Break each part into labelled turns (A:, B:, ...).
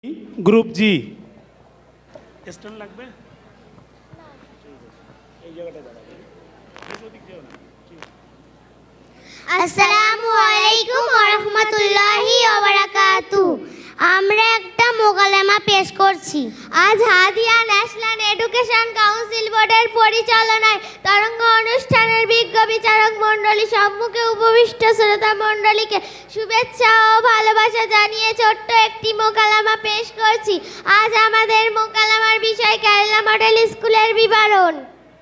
A: Group জি stand লাগবে এই জায়গাটা দাঁড়াবে ওদিক যেও না।
B: আসসালামু আলাইকুম ওয়া রাহমাতুল্লাহি ওয়া বারাকাতুহু। আমরা একটা মোকালেমা পেশ করছি। আজ হাদিয়া ন্যাশনাল এডুকেশন কাউন্সিল বোর্ডের পরিচালনায় তরঙ্গ অনুষ্ঠানের বিজ্ঞ বিচারক মণ্ডলী সম্মুখে উপবিষ্ট শ্রোতা মণ্ডলীকে শুভেচ্ছা ও ভালোবাসা জানিয়ে ছোট্ট একটি মোকালেমা পেশ করছি। আজ আমাদের মোকালেমার বিষয় কেরালা মডেল স্কুলের বিবরণ।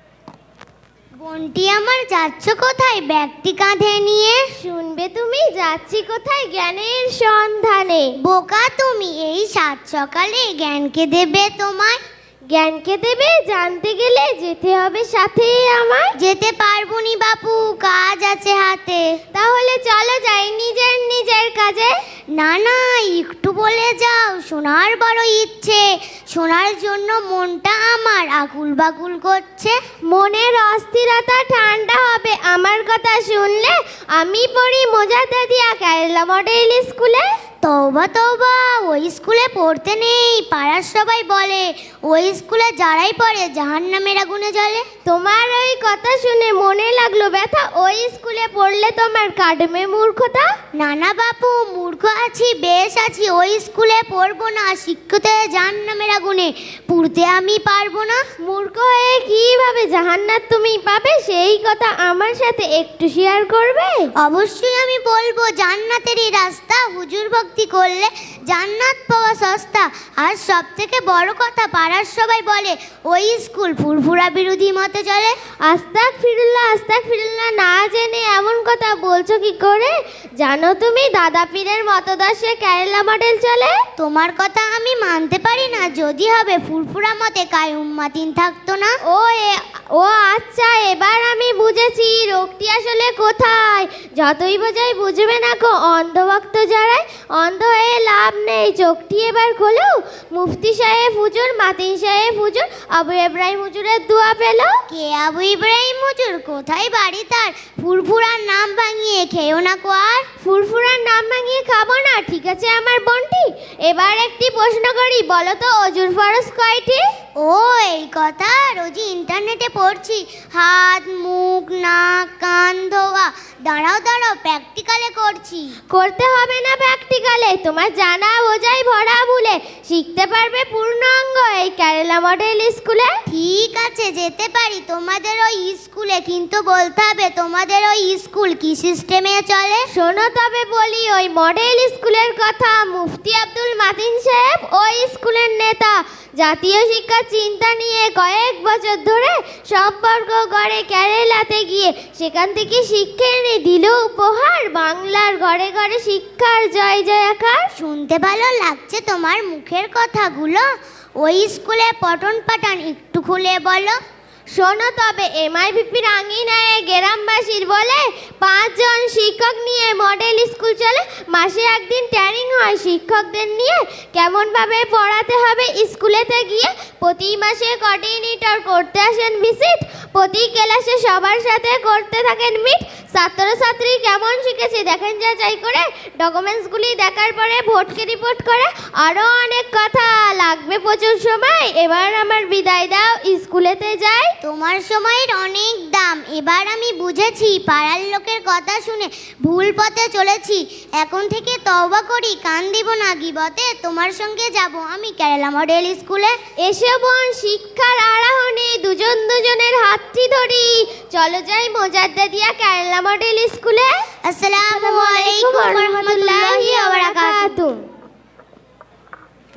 B: বোনটি আমার যাচ্ছ কোথায় ব্যাগটি কাঁধে নিয়ে? শুনবে তুমি, যাচ্ছি কোথায় জ্ঞানের সন্ধানে। বোকা তুমি, এই সাত সকালে জ্ঞানকে দেবে তোমায়? জ্ঞানকে দেবে জানতে গেলে যেতে হবে সাথে আমায়। যেতে পারবো নি বাপু, কাজ আছে হাতে। তাহলে চলো যাই নিজের নিজের কাজে। না না, একটু বলে যাও, শোনার বড় ইচ্ছে। শোনার জন্য মনটা আমার আকুল বাকুল করছে। মনের অস্থিরতা ঠান্ডা হবে আমার কথা শুনলে। আমি পড়ি মোজাদ্দেদিয়া কেরালা মডেল স্কুলে। তওবা তওবা, ওই স্কুলে পড়তে নেই, পাড়ার সবাই বলে ওই স্কুলে যারাই পড়ে জাহান্নামের আগুনে জ্বলে। তোমার ওই কথা শুনে মনে লাগলো ব্যথা, ওই স্কুলে পড়লে তোমার কাটবে মূর্খতা। না না বাপু, মূর্খ আছি, বেশ আছি, ওই স্কুলে পড়বো না। শিক্ষিত হয়ে জাহান্নামের আগুনে পুড়তে আমি পারবো না। মূর্খ হয়ে কিভাবে জাহান্নাত তুমি পাবে, সেই কথা আমার সাথে একটু শেয়ার করবে? অবশ্যই আমি বলবো। জান্নাতেরই রাস্তা, হুজুর ভক্তি করলে জান্নাত পাওয়া সস্তা। আর সব থেকে বড় কথা, পাড়ার সবাই বলে ওই স্কুল ফুরফুরা বিরোধী মতে চলে। আস্তাগফিরুল্লাহ আস্তাগফিরুল্লাহ, না জেনে এমন কথা বলছো কি করে? জানো তুমি দাদা পীরের মতদর্শে কেরালা মডেল চলে। তোমার কথা আমি মানতে পারি না, যদি হবে ফুরফুরা মতে কায়ুম মাতিন থাকতো না। ও আচ্ছা, এবার আমি বুঝেছি রোগটি আসলে কোথায়। যতই বোঝাই বুঝবে না গো অন্ধভক্ত যারাই। অন্ধ হয়ে লাভ নেই, চোখটি এবার খোলো। মুফতি সাহেব হুজুর, মাতিন সাহেব হুজুর, আবু ইব্রাহিম হুজুরের দোয়া পেল। কে আবু ইব্রাহিম হুজুর, কোথায় বাড়ি তার? ফুরফুরার নাম ভাঙিয়ে খেও না কো আর। ফুরফুরার নাম ভাঙিয়ে খাবো না, ঠিক আছে আমার বোনটি। এবার একটি প্রশ্ন করি, বলো তো অজুর ফরজ কয়টি? ও এই কথা, রোজই ইন্টারনেটে পড়ছি। হাত, মুখ, নাক, কান ধোয়া। দাঁড়াও দাঁড়াও, প্র্যাকটিক্যালে করছি। করতে হবে না প্র্যাকটিক্যালে, তোমার জানা বোঝাই ভরা ভুলে শিখতে পারবে পূর্ণাঙ্গ এই কেরালা মডেল স্কুলে। ঠিক আছে, যেতে পারি তোমাদের ওই স্কুলে, কিন্তু বলতে হবে তোমাদের ওই স্কুল কি সিস্টেমে চলে। শোনো তবে বলি ওই মডেল স্কুলের কথা। মুফতি আব্দুল মাতিন সাহেব ওই স্কুলের নেতা। জাতীয় শিক্ষা চিন্তা নিয়ে কয়েক বছর ধরে সম্পর্ক গড়ে কেরালাতে গিয়ে সেখান থেকে শিক্ষা এনে দিল উপহার। বাংলার ঘরে ঘরে শিক্ষার জয় জয়কার। শুনতে ভালো লাগছে তোমার মুখের কথাগুলো। ওই স্কুলে পঠন পাঠান একটু খুলে বলো। শোনো তবে, এমআইভিপির আঙিনায় গ্রামবাসীর বলে 5 জন শিক্ষক নিয়ে মডেল স্কুল চলে। মাসে একদিন ট্রেনিং হয় শিক্ষকদের নিয়ে, কেমনভাবে পড়াতে হবে স্কুলেতে গিয়ে। প্রতি মাসে কোঅর্ডিনেটর করতে আসেন ভিজিট। প্রতি ক্লাসে সবার সাথে করতে থাকেন মিট। ছাত্রছাত্রী কেমন শিখেছে দেখেন যাচাই করে। ডকুমেন্টসগুলি দেখার পরে ভোটকে রিপোর্ট করে। আরও অনেক কথা লাগবে, প্রচুর সময়। এবার আমার বিদায় দাও, স্কুলেতে যাই। তোমার সময়ের অনেক দাম, এবার আমি বুঝেছি। পাড়ার লোকের কথা শুনে ভুল পথে চলেছি। এখন থেকে তওবা করি, কান দিব না গিবতে। তোমার সঙ্গে যাব আমি কেরালা মডেল স্কুলে। এসে বোন, শিক্ষার আরাহনে দুজন দুজনের হাতটি ধরি, চলো যাই মোজাদ্দেদিয়া কেরালা মডেল স্কুলে। আসসালামু আলাইকুম ওয়া রাহমাতুল্লাহি ওয়া বারাকাতুহু।